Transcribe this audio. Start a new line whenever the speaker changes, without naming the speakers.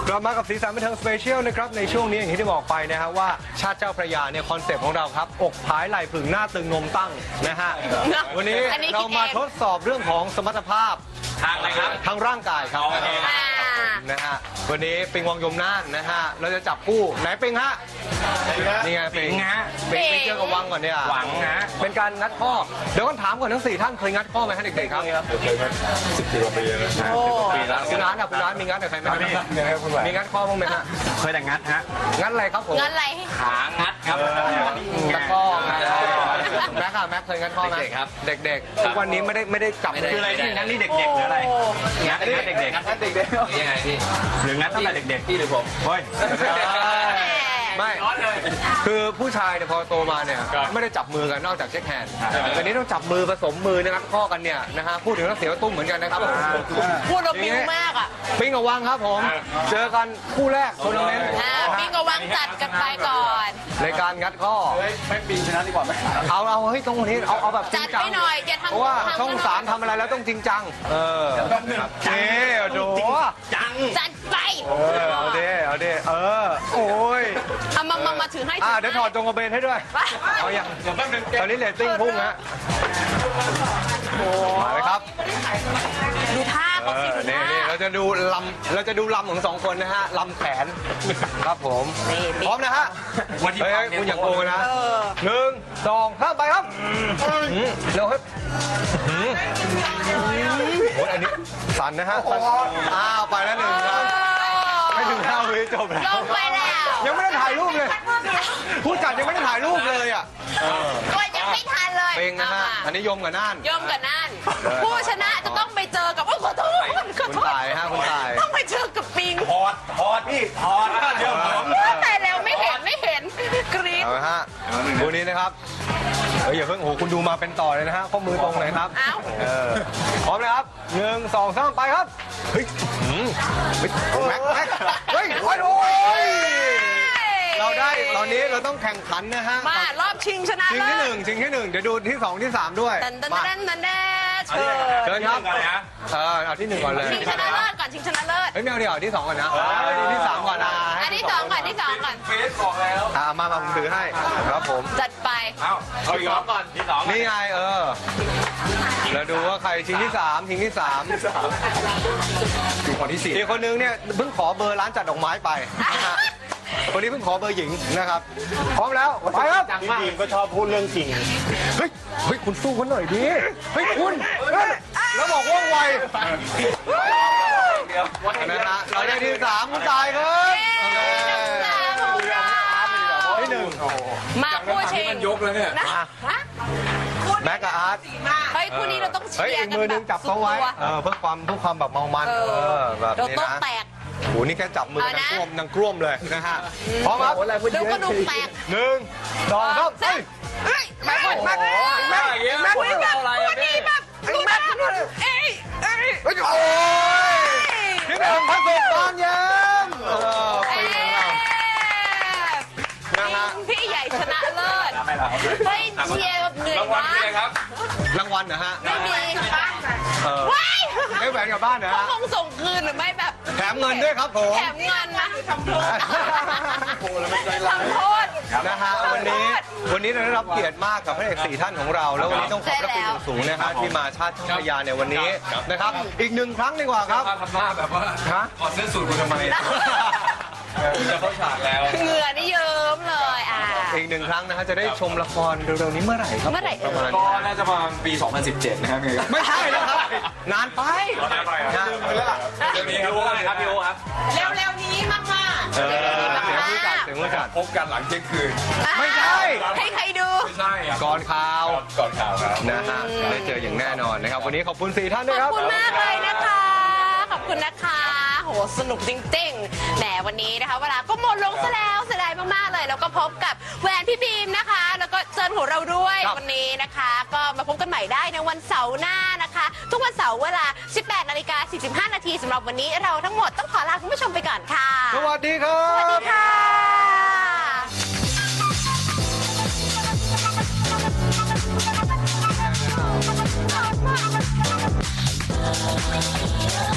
กลับมากับสีสันบันเทิงสเปเชียลนะครับในช่วงนี้อย่างที่ได้บอกไปนะฮะว่าชาติเจ้าพระยาเนี่ยคอนเซปต์ของเราครับอกผายไหล่ผึ่งหน้าตึงนมตั้งนะฮะวันนี้เรามาทดสอบเรื่องของสมรรถภาพ
ทางอะไรครับ
ทางร่างกายครับนะฮะวันนี้ปิงวังยมน่านนะฮะเราจะจับคู่ไหนปิงฮะนี่ไงปิงฮะปิงเจอกับวังก่อนเนี่ย
หวังนะ
เป็นการงัดข้อเดี๋ยวก่อนถามก่อนทั้ง4ท่านเคยงัดข้อไหมฮะเด็กๆครับ
เคยครับ10 ปีกว่าปีแล้ว
ปีแล้วคุณร้านคุณร้านมีงัดกับใครไหมมีงัดข้อบ้างไหมฮะ
เคยแต่งัดฮะ
งัดอะไรครับผม
งัดอะไร
ขางัดครับ
ตะข้อแม็กซ์เคยงัดข้อไหม
ครับ
เด็กๆทุกวันนี้ไม่ได้จับ
คืออะไรที่งัดนี่เด็กๆหรืออะไรงัดเด็กๆงัดเด็กๆยังไงพี่หรืองัดตั้งแต่เด็กๆพี่หรือผมเฮ้ย
ไม่คือผู้ชายเนี่ยพอโตมาเนี่ยไม่ได้จับมือกันนอกจากเช็คแฮนด์แต่นี้ต้องจับมือผสมมือนะครับข้อกันเนี่ยนะฮะพูดถึงแล้วเสียวตุ้มเหมือนกันนะครับ
พูดเราปิ้งมากอ่ะ
ปิ้งกับวังครับผมเจอกันคู่แรกทัวร์นาเมนต์
ปิ้งกับวังจัดกันไปก่อน
ในการงัดข้อ
ไม่ปีชนะดีกว่าไหม
เอาเฮ้ยตรงนี้เอาแบบจริงจัง
หน่อยอย่าทำ
เพราะว่าช่อง3ทำอะไรแล้วต้องจริงจังเจ๊โด
จัดไป
เอาดิโอ้ย
เอามาถือให้
เดี๋ยวถอดจงกระเบนให้ด้วยเอาอย่างตอนนี้เรตติ้งพุ่งฮะมาเลยครับ
ดูท่าเขาสิ
นี่เราจะดูลำของ2คนนะฮะลำแขนครับผมพร้อมนะฮะเฮ้ยคุณอย่าโกงนะ1 2 3ไปครับเร็วครับโอ้ยอันนี้สั่นนะฮะไปแล้ว1ครับไม่ถึง5 วิจบแล้ว
ลงไปแล้ว
ยังไม่ได้ถ่ายรูปเลยผู้จัดยังไม่ได้ถ่ายรูปเลยอ่ะ
ก็ยังไม่ทันเลย
เป็นนะฮะอันนี้ยมกับน่าน
ผู้ชนะจะต้องไปเจอกับขอโทษ
คุณตายฮะคุณตาย
ต้องไปเจอกับปิง
ถอดพี่ถอดเดี๋ยว
แต่แล้วไม่เห็นกรี๊ด
เอาฮะคู่นี้นะครับอย่าเพิ่งโอ้คุณดูมาเป็นต่อเลยนะฮะข้อมือตรงเลยครับพร้อมเลยครับ1 2 3ไปครับเฮ้ยแม็กเฮ้ยโอ้ยเราได้ตอนนี้เราต้องแข่งขันนะฮะ
มารอบชิงชนะ
ชิงที่1เดี๋ยวดูที่2ที่3ด้วย
มาเชิญ
ครับเอาที่1ก่อนเลย
ชิงชนะเลิศก่อนชิงชนะเลิศ
ไม่เอาเดี๋ยวที่2ก่อนนะที่3ก่อนนะ
ที่2ก่อน
เฟซบอกแล้ว
มาผมถือให้ครับผม
จัดไป
เอาอีกก่อนที่2
นี่ไงเราดูว่าใครชิงที่3ชิงที่3
อยู่คนที่4
อีกคนนึงเนี่ยเพิ่งขอเบอร์ร้านจัดดอกไม้ไปคนนี้เพิ่งขอเบอร์หญิงนะครับพร้อมแล้วไปครับ
ทีมก็ชอบพูดเรื่องจริง
เฮ้ยคุณสู้กันหน่อยดิเฮ้ยคุณแล้วบอกว่องไวนะฮะเราได้ที่3คุณตายครับที่1
มาคู่ชิง
มันยกแล้วเนี่ย
แม็กกับอาร์ต
เฮ้ยคู่นี้เราต้องเชียร์กัน
มือนึงจับเขาไว้เพื่อความแบบเมามันแบบนี้นะโหนี่แค่จับมือนังกล้วมเลยนะฮะพร้อมครับ
ดูกระดูกแตก
1 2 3
แม็กดีแบบ
โอ้ยพี่แบงค์พัสดุตอนเย็น
พี่ใหญ่ชนะเลิศเฮ้ยเชียร์แบบเหนื่อยมาก
รางวัลนะฮะ
ไม่มี
ไม่แหวนกลับบ้านนะฮะ
คงส่งคืนหรือไม่แบบ
แถมเงินด้วยครับผม
แถมเงินนะทำโทษ
นะฮะวันนี้เราได้รับเกียรติมากกับพระเอก4ท่านของเราแล้ววันนี้ต้องขอบพระคุณสูงนะฮะที่มาชาติช่างพยาในวันนี้นะครับอีก1ครั้งดีกว่าครับ
ทำหน้าแบบว่าถอดเสื้อสูทกูทำไมจะเข้าฉากแล้ว
เหงื่อนี่เยิ้มเลย
อีก1ครั้งนะฮะจะได้ชมละครเร็วๆนี้เมื่อไหร่ครับ
ก็น่าจะประมาณปี 2017นะครับ
ไม่ใช่แล้วครับนานไป
เดี๋ยวนี้ครับพี่โอครับ
เร็วๆนี้มาก
ถึงว่าจัด
พบกันหลังเที่ยงคืน
ไม่ใช่
ให้ใครดู
ไม่ใช่
ก่อนข่าว
ครับ
นะฮะได้เจออย่างแน่นอนนะครับวันนี้ขอบคุณ4ท่านด้วยครับ
ขอบคุณมากเลยนะคะขอบคุณนะคะโหสนุกจริงๆแหมวันนี้นะคะเวลาก็หมดลงซะแล้วเสียดายมากๆเลยแล้วก็พบกับแหวนพี่บีมนะคะแล้วก็เจิญของเราด้วยวันนี้นะคะก็มาพบกันใหม่ได้ในวันเสาร์หน้านะคะทุกวันเสาร์เวลา 18:45 นาทีสำหรับวันนี้เราทั้งหมดต้องขอลาคุณผู้ชมไปก่อนค่ะ
สวัสดีครับ
สวัสดีค่ะ